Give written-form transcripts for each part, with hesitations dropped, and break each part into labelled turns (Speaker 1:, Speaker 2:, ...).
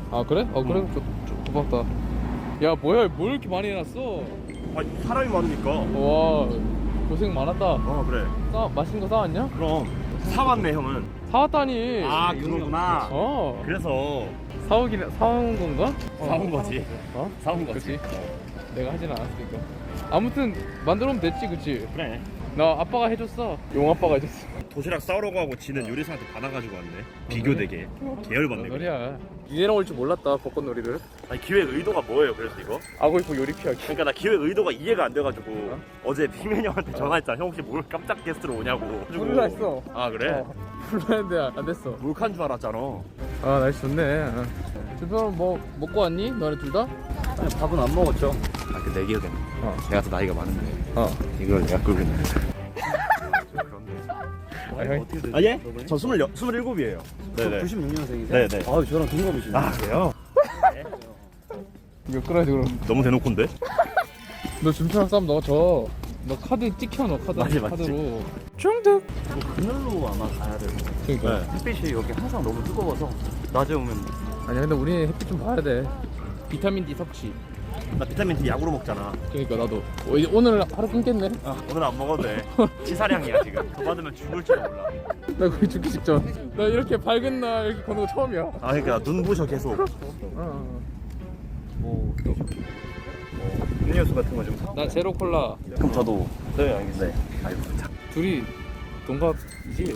Speaker 1: 아 그래? 그래? 고맙다. 야 뭐야 뭘 이렇게 많이 해놨어?
Speaker 2: 아 사람이 많으니까.
Speaker 1: 와 고생 많았다.
Speaker 2: 그래.
Speaker 1: 맛있는 거 사왔냐?
Speaker 2: 그럼 사왔네 형은.
Speaker 1: 사왔다니.
Speaker 2: 아 그거구나. 그래서
Speaker 1: 사온 건가?
Speaker 2: 사온 거지. 사온
Speaker 1: 그치?
Speaker 2: 거지.
Speaker 1: 내가 하진 않았으니까. 아무튼 만들어 오면 됐지, 그치?
Speaker 2: 그래.
Speaker 1: 나 아빠가 해줬어. 용 아빠가 해줬어.
Speaker 2: 도시락 싸우려고 하고 지는 요리사한테 받아가지고 왔네. 비교되게. 계열받네.
Speaker 1: 놀이야. 이래랑 올 줄 몰랐다 벚꽃놀이를.
Speaker 2: 아니 기획 의도가 뭐예요? 그래서 이거?
Speaker 1: 아고 이뻐 요리 피하기.
Speaker 2: 그러니까 나 기획 의도가 이해가 안 돼가지고 어제 빅맨 형한테 전화했잖아. 형 혹시 뭘 깜짝 게스트로 오냐고.
Speaker 1: 불러 했어.
Speaker 2: 아 그래?
Speaker 1: 불렀는데 안 됐어.
Speaker 2: 몰카인 줄 알았잖아.
Speaker 1: 아 날씨 좋네. 주변은 뭐 먹고 왔니? 너네 둘 다?
Speaker 2: 아니, 밥은 안 먹었죠. 아 그 내 기억엔 내가 더 나이가 많은데 이걸 내가 끌고 있는 아 예? 저 27이에요. 네네.
Speaker 3: 96년생이세요?
Speaker 2: 네네.
Speaker 3: 아 저랑 동갑이시네.
Speaker 2: 아 그래요?
Speaker 1: 이거 끌어야지 그럼.
Speaker 2: 너무 대놓고인데?
Speaker 1: 너 준표랑 싸움 넣어줘. 너 카드 찍혀 너 카드.
Speaker 2: 맞지.
Speaker 1: 카드로. 중득.
Speaker 3: 그늘로 아마 가야 돼요.
Speaker 1: 그러니까.
Speaker 3: 햇빛이 여기 항상 너무 뜨거워서 낮에 오면
Speaker 1: 아니야 근데 우리 햇빛 좀 봐야 돼. 비타민 D 섭취.
Speaker 2: 나 비타민 D 약으로 먹잖아.
Speaker 1: 그러니까 나도 오늘 하루 끊겠네.
Speaker 2: 오늘 안 먹어도 돼. 치사량이야 지금. 더 받으면 죽을지도 몰라.
Speaker 1: 나 거의 죽기 직전. 나 이렇게 밝은 날 이렇게 거는 거 처음이야.
Speaker 2: 아 그러니까 눈 부셔 계속.
Speaker 3: 뭐
Speaker 2: 음료수 같은 거 좀 사.
Speaker 1: 나 제로 콜라.
Speaker 2: 그럼 저도. 네 알겠네. 아이고 참.
Speaker 1: 둘이 동갑이지?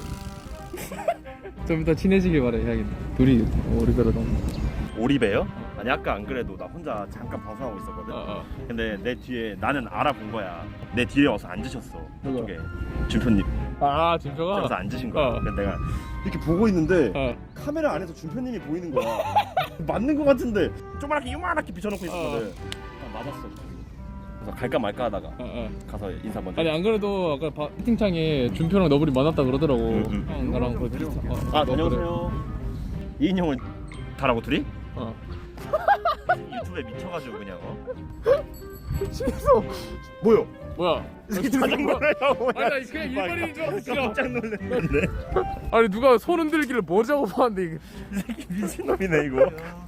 Speaker 1: 좀 이따 친해지길 바래 해야겠네. 둘이 우리보다 동갑.
Speaker 2: 오리배요? 아니 아까 안 그래도 나 혼자 잠깐 방송하고 있었거든. 근데 내 뒤에 나는 알아본 거야. 내 뒤에 와서 앉으셨어.
Speaker 1: 누가?
Speaker 2: 저쪽에 준표님.
Speaker 1: 아 진짜가?
Speaker 2: 와서 앉으신 거야.
Speaker 1: 어.
Speaker 2: 근데 내가 이렇게 보고 있는데 카메라 안에서 준표님이 보이는 거야. 맞는 거 같은데 조그맣게 요만하게 비춰놓고 있었거든. 맞았어. 그래서 갈까 말까 하다가 가서 인사 먼저.
Speaker 1: 아니 안 그래도 아까 채팅창에 준표랑 너블이 만났다 그러더라고. 형 나랑 거의 비슷.
Speaker 2: 다녀오세요. 이인형을 가라고 둘이?
Speaker 1: 어.
Speaker 2: 유튜브에 미쳐가지고 그냥
Speaker 1: 취했어. 뭐야?
Speaker 2: 이 새끼 자전거를 하고
Speaker 1: 아니 나 그냥 일반인인 줄 알았어.
Speaker 2: 깜짝 놀랐는데.
Speaker 1: 아니 누가 손 흔들기를 뭐라고 봤는데 이게.
Speaker 2: 이 새끼 미친놈이네 이거.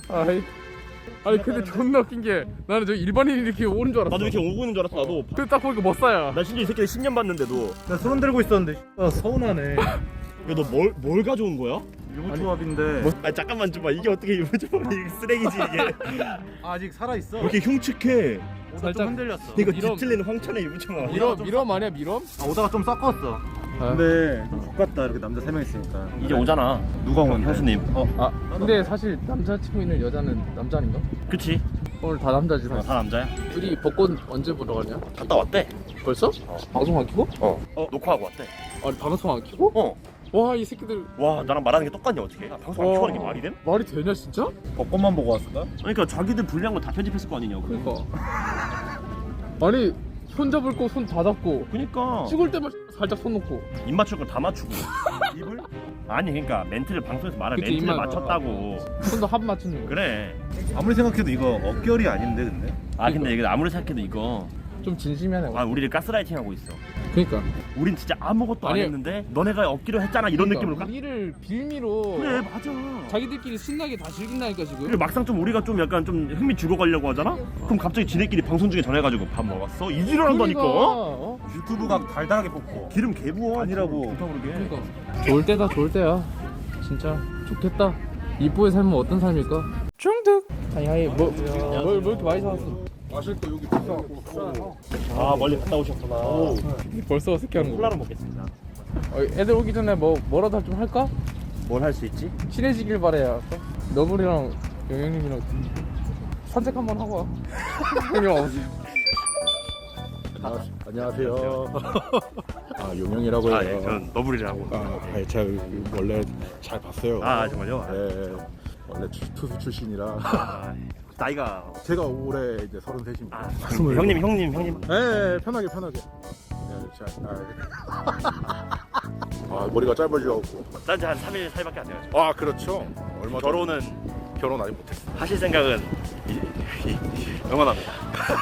Speaker 1: 아니 근데 존나 웃긴 게 나는 저 일반인이 이렇게 오는 줄 알았어.
Speaker 2: 나도 이렇게 오고 있는 줄 알았어. 나도.
Speaker 1: 근데 딱 보니까 멋사야.
Speaker 2: 나 심지어 이 새끼를 10년 봤는데도.
Speaker 3: 나 손 들고 있었는데 서운하네.
Speaker 2: 야 너 뭘 가져온 거야?
Speaker 3: 유부조합인데
Speaker 2: 아 잠깐만 좀 봐. 이게 어떻게 유부조합이 쓰레기지 이게.
Speaker 3: 아직 살아있어.
Speaker 2: 왜 이렇게 흉측해?
Speaker 1: 살짝
Speaker 3: 흔들렸어.
Speaker 2: 이거
Speaker 1: 미럼.
Speaker 2: 뒤틀리는 황천의 유부조합.
Speaker 1: 미럼 아니야 미럼?
Speaker 3: 오다가 좀 섞었어. 근데 좀 X같다 이렇게 남자 3명 있으니까.
Speaker 2: 이제 오잖아.
Speaker 3: 누가 오면
Speaker 2: 형수님.
Speaker 1: 근데 사실 남자친구 있는 여자는 남자 아닌가?
Speaker 2: 그치?
Speaker 1: 오늘 다 남자지 사실.
Speaker 2: 다 남자야.
Speaker 1: 둘이 벚꽃 언제 보러 가냐?
Speaker 2: 갔다 왔대.
Speaker 1: 벌써? 방송 안 키고?
Speaker 2: 녹화하고 왔대.
Speaker 1: 아니 방송 안 키고? 와 이 새끼들
Speaker 2: 와 나랑 말하는 게 똑같냐 어떻게? 방송 안 켜는 게 말이 돼?
Speaker 1: 말이 되냐 진짜?
Speaker 3: 벚꽃만 보고 왔을까?
Speaker 2: 그러니까 자기들 불리한 거 다 편집했을 거 아니냐고.
Speaker 1: 그러니까 아니 손 잡을 거 손 다 잡고
Speaker 2: 그러니까
Speaker 1: 찍을 때만 살짝 손 놓고
Speaker 2: 입 맞출 걸 다 맞추고 입을? 아니 그러니까 멘트를 방송에서 말할
Speaker 1: 그치,
Speaker 2: 멘트를
Speaker 1: 입만
Speaker 2: 맞췄다고.
Speaker 1: 손도 합 맞추는 거.
Speaker 2: 그래.
Speaker 3: 아무리 생각해도 이거 어결이 아닌데 근데?
Speaker 2: 아 근데 이거 아무리 생각해도 이거
Speaker 1: 좀 진심이하네.
Speaker 2: 우리를 가스라이팅 하고 있어.
Speaker 1: 그러니까
Speaker 2: 우린 진짜 아무것도
Speaker 1: 아니,
Speaker 2: 안 했는데 너네가 얻기로 했잖아 이런 느낌으로
Speaker 1: 우리를 빌미로
Speaker 2: 그래 맞아.
Speaker 1: 자기들끼리 신나게 다 즐긴다니까 지금.
Speaker 2: 그리고 막상 좀 우리가 좀 약간 좀 흥미 죽어가려고 하잖아? 그럼 갑자기 지네끼리 방송 중에 전해가지고 밥 먹었어? 이 지랄 한다니까.
Speaker 3: 유튜브가 달달하게 뽑고
Speaker 2: 기름 개부어
Speaker 3: 아니라고.
Speaker 2: 좋다 그러게.
Speaker 1: 그러니까 좋을 때다 좋을 때야. 진짜 좋겠다. 이쁘의 삶은 어떤 삶일까? 중득. 아니 뭘 이렇게 많이 사왔어?
Speaker 3: 마실 거 여기 비싸고.
Speaker 2: 아 멀리 갔다 오셨구나.
Speaker 1: 벌써 어색해하는 거.
Speaker 2: 콜라로 먹겠습니다.
Speaker 1: 애들 오기 전에 뭐라도 좀 할까?
Speaker 2: 뭘 할 수 있지?
Speaker 1: 친해지길 바래야. 너블이랑 영영님이랑 산책 한번 하고 와. 형님 와보세요.
Speaker 4: 안녕하세요. 용영이라고 해요.
Speaker 2: 예, 전 너블이라고.
Speaker 4: 제가 원래 잘 봤어요.
Speaker 2: 정말요?
Speaker 4: 네, 원래 투수 출신이라.
Speaker 2: 나이가
Speaker 4: 제가 올해 이제 33입니다.
Speaker 2: 형님.
Speaker 4: 네, 편하게. 네, 머리가 짧아지고.
Speaker 2: 딴지 한 3일 사이밖에 안 돼가지고.
Speaker 4: 그렇죠. 얼마
Speaker 2: 결혼은
Speaker 4: 결혼 아직 못했어.
Speaker 2: 하실 생각은 영원합니다.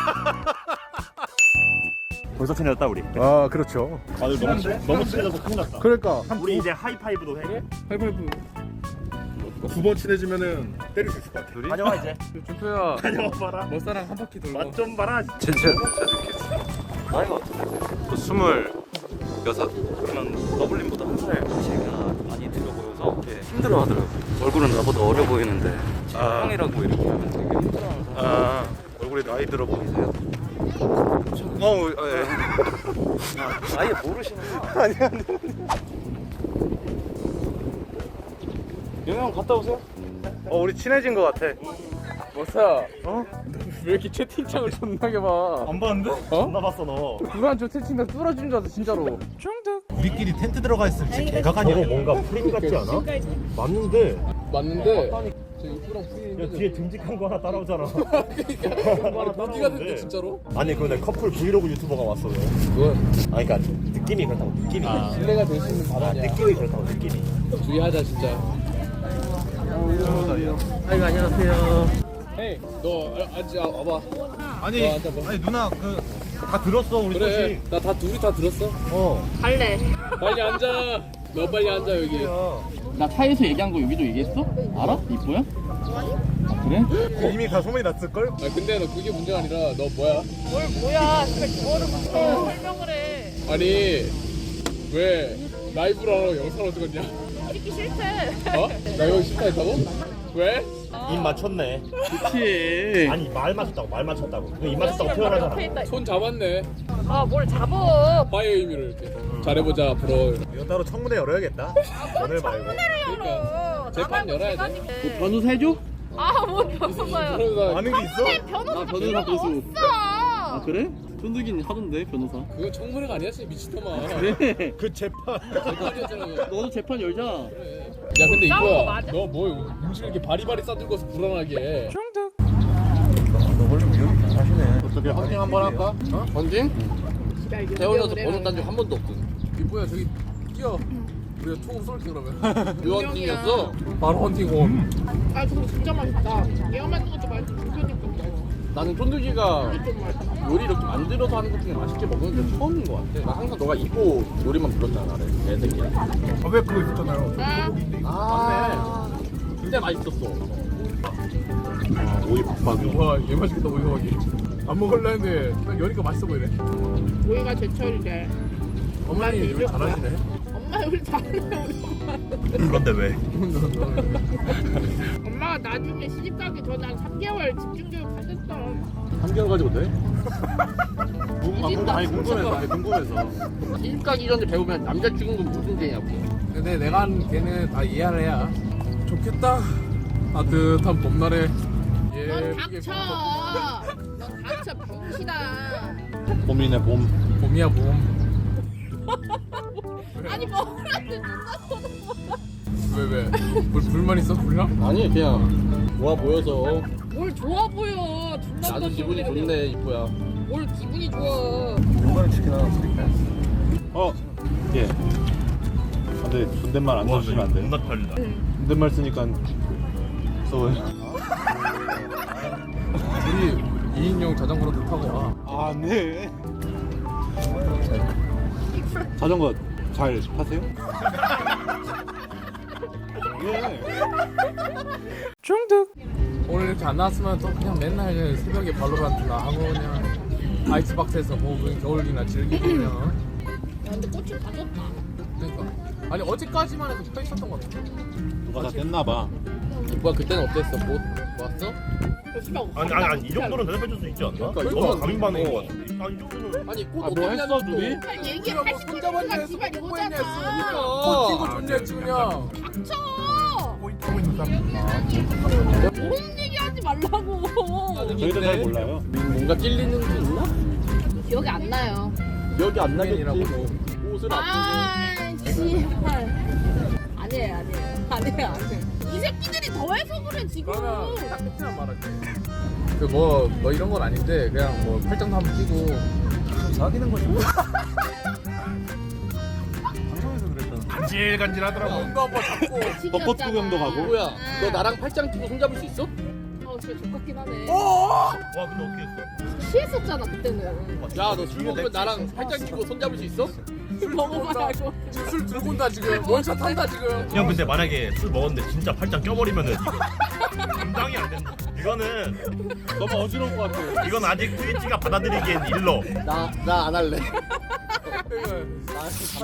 Speaker 2: 벌써 친해졌다 우리.
Speaker 4: 그렇죠.
Speaker 2: 너무 친해져서 큰일 났다.
Speaker 4: 그러니까
Speaker 2: 우리 이제 하이파이브도 해.
Speaker 1: 하이파이브.
Speaker 4: 두 번 친해지면은 때릴 수 있을 것 같아.
Speaker 2: 다녀와 이제.
Speaker 1: 준표야
Speaker 2: 다녀와봐라.
Speaker 1: 멋사랑 한 바퀴 돌고.
Speaker 2: 맛 좀 봐라.
Speaker 3: 진짜 나이가 어떻게 되세요? 저 26. 그러면 너블린보다 한 살 제가 많이 들어 보여서 되게 힘들어하더라고요. 얼굴은 나보다 어려 보이는데 제가 형이라고 이렇게 하면 되게 힘들어하는 사람.
Speaker 4: 얼굴에 나이 들어 보이세요?
Speaker 3: 예. 아예 모르시는구나. 아니. 영영 갔다 오세요. 우리 친해진 것 같아.
Speaker 1: 멋사 왜 이렇게 채팅창을 존나게 봐?
Speaker 2: 안 봤는데? 존나 봤어 너.
Speaker 1: 누가 저 채팅창 뚫어준 줄 알았어 진짜로. 중득.
Speaker 5: 우리끼리 텐트 들어가 있으면 진짜 개각 아니야?
Speaker 2: 저거 뭔가 프림 같지 않아? 맞는데
Speaker 1: 맞는데 저 입구랑
Speaker 2: 야, 뒤에 듬직한 거 하나 따라오잖아.
Speaker 1: 어디가 됐는데 진짜로?
Speaker 2: 아니 그런데 커플 브이로그 유튜버가 왔어. 왜?
Speaker 1: 그건
Speaker 2: 아니 그러니까 느낌이 그렇다고 느낌이.
Speaker 1: 신뢰가 될 수 있는 발언이야.
Speaker 2: 느낌이 그렇다고 느낌이.
Speaker 1: 주의하자 진짜.
Speaker 3: 아이고 안녕하세요.
Speaker 1: 헤이 너 앉아 와봐.
Speaker 5: 아니,
Speaker 1: 앉아봐.
Speaker 5: 아니 누나 다 들었어 우리
Speaker 1: 그래 나 다 둘이 다 들었어.
Speaker 6: 갈래.
Speaker 1: 빨리 앉아. 너 빨리 앉아 여기.
Speaker 7: 나 차에서 얘기한 거 여기도 얘기했어? 알아? 이뻐야? 아, 그래?
Speaker 5: 이미 다 소문이 났을걸?
Speaker 1: 아 근데 너 그게 문제가 아니라 너 뭐야?
Speaker 6: 뭘 뭐야? 그걸 그거를 무슨 설명을 해.
Speaker 1: 아니 왜 라이브로 영상을 찍었냐?
Speaker 6: 찍기 싫대.
Speaker 1: 어? 나 여기 싫다 했다고? 왜?
Speaker 2: 입 맞췄네.
Speaker 7: 그치.
Speaker 2: 아니 말 맞췄다고 말 맞췄다고. 입 맞췄다고
Speaker 6: 옆에
Speaker 2: 표현하잖아.
Speaker 6: 있다.
Speaker 1: 손 잡았네.
Speaker 6: 뭘 잡어?
Speaker 1: 파이어 의미를 이렇게. 잘해보자 앞으로.
Speaker 5: 이거 따로 청문회 열어야겠다. 오늘 말고.
Speaker 6: 열어.
Speaker 1: 재판 열어야 돼.
Speaker 7: 뭐 변호사 해줘?
Speaker 6: 뭐 변호사야?
Speaker 1: 그러다
Speaker 5: 아는 게 있어?
Speaker 6: 변호사
Speaker 7: 나 변호사
Speaker 6: 필요가
Speaker 7: 고수.
Speaker 6: 없어.
Speaker 7: 아 그래? 쫀득이는 하던데 변호사.
Speaker 1: 그거 청문회가 아니었어 미친놈아.
Speaker 7: 그래.
Speaker 5: 그 재판.
Speaker 1: 재판이었잖아 그거.
Speaker 7: 너도 재판 열자.
Speaker 1: 그래. 야 근데
Speaker 6: 싸운 거
Speaker 1: 이거야
Speaker 6: 맞아?
Speaker 1: 너 뭐 음식 이렇게 바리바리 싸들고서 불안하게 해.
Speaker 7: 어떻게 헌팅 한번 할까? 어? 헌팅? 태어나서 번호 딴 적 한 번도 없거든.
Speaker 1: 이뻐야 저기 뛰어. 우리가 총 쏠게 그러면.
Speaker 7: 유헌팅이었어?
Speaker 1: 바로 헌팅 온.
Speaker 6: 아 그거 진짜 맛있다. 얘가 만든 것도 맛있고 주변이 것도 맛있어.
Speaker 7: 나는 쫀득이가 요리 이렇게 만들어서 하는 것 중에 맛있게 먹는 게 처음인 것 같아. 나 항상 너가 이뻐 요리만 불렀잖아 나를. 내 새끼야.
Speaker 5: 왜 그거 있었잖아요.
Speaker 7: 아 맞네. 진짜 맛있었어.
Speaker 5: 오이 박박이.
Speaker 1: 와, 얘 맛있겠다 오이호박이. 안 먹을라 했는데 그냥 여니까 맛있어 보이네.
Speaker 6: 우리가 제철이래.
Speaker 1: 어머니 요리 잘하시네.
Speaker 6: 엄마 우리 잘해 우리 엄마.
Speaker 5: 그런데 왜?
Speaker 6: 엄마가 나중에 시집 가기 전에 한 3개월 집중교육 받았어.
Speaker 7: 3개월 가지고 돼?
Speaker 6: 무진다.
Speaker 7: 아니 궁금해서. 시집 가기 전에 배우면 남자 죽은 건 무슨 죄냐고.
Speaker 1: 근데 내가 한 걔는 다 이해를 해야 좋겠다. 따뜻한 봄날에
Speaker 6: 넌 닥쳐. 넌 닥쳐 병신아.
Speaker 7: 봄이네 봄.
Speaker 1: 봄이야 봄.
Speaker 6: 아니 뭐라는데 누가
Speaker 1: 왜? 불만 있어? 불량?
Speaker 7: 아니 그냥 좋아 보여서.
Speaker 6: 뭘 좋아 보여. 존나
Speaker 7: 나도 기분이
Speaker 6: 소리 하네.
Speaker 7: 좋네 이뻐야.
Speaker 6: 뭘 기분이 좋아.
Speaker 5: 중간에 치킨 하나 드릴까요? 예. 근데 존댓말 안 써주시면 안 돼요?
Speaker 2: 존나 편리다.
Speaker 5: 존댓말 쓰니까 무서워요.
Speaker 1: 우리 2인용 자전거로 타고 와.
Speaker 5: 아 네. 자전거 잘 타세요? 예.
Speaker 1: 중득. 오늘 이렇게 안 나왔으면 또 그냥 맨날 새벽에 발로란트나 하고 그냥 아이스박스에서 뭐 그냥 겨울이나 즐기고 그냥.
Speaker 6: 야, 근데 꽃을 다 줬다.
Speaker 1: 그러니까 아니 어제까지만 해도 서 있었던 것 같아.
Speaker 5: 누가 다 뗐나봐.
Speaker 7: 이뻐야 그때는 어땠어? 뭐 왔어?
Speaker 2: 아니 이 정도는 대답해줄 수 있지 않나?
Speaker 1: 그러니까
Speaker 2: 너무 감인 반응인 것 같아. 아니 이 정도는.
Speaker 7: 아니 꽃
Speaker 1: 뭐
Speaker 7: 어떻게
Speaker 1: 했어,
Speaker 7: 하냐고.
Speaker 1: 둘이?
Speaker 6: 얘기해.
Speaker 1: 뭐 손잡았냐
Speaker 6: 80%가
Speaker 1: 했어?
Speaker 6: 지가
Speaker 1: 뽀뽀했냐 했어?
Speaker 6: 이거잖아.
Speaker 1: 꽃 피고 좋냐 했지 그냥.
Speaker 6: 닥쳐.
Speaker 5: 하고 있는 사람.
Speaker 6: 모르는 얘기 하지 말라고.
Speaker 5: 저희도 잘 몰라요.
Speaker 7: 뭔가 찔리는 게 있나?
Speaker 6: 기억이 안 나요.
Speaker 7: 기억이 안 나겠지.
Speaker 1: 이라고.
Speaker 7: 옷을 아프고.
Speaker 6: 씨발. 아니에요. 이 새끼들이 더해서 그래 지금.
Speaker 1: 그러면 딱 끝이나 말할게. 그 뭐 이런 건 아닌데 그냥 뭐 팔짱도 한번 끼고.
Speaker 5: 사귀는 거지. 방송에서 그랬잖아.
Speaker 2: 간질간질하더라고.
Speaker 1: 뭔가 한번 잡고.
Speaker 5: 벚꽃 구경도 가고.
Speaker 7: 뭐야? 너 나랑 팔짱 끼고 손잡을 수 있어?
Speaker 6: 진짜 족같긴 하네.
Speaker 2: 와 근데 어떻게 했어?
Speaker 6: 취했었잖아 그때는.
Speaker 7: 야 너 술 먹으면 나랑 팔짱 끼고 손잡을 수 있어?
Speaker 6: 먹어봐야 알고.
Speaker 7: 지금 술 들고 온다 지금. 원샷 한다 지금.
Speaker 8: 형 근데 만약에 술 먹었는데 진짜 팔짱 껴버리면은 감당이 안 된다. 이거는
Speaker 5: 너무 어지러울 것 같아.
Speaker 8: 이건 아직 트위치가 받아들이기엔 일러.
Speaker 7: 나 안 할래.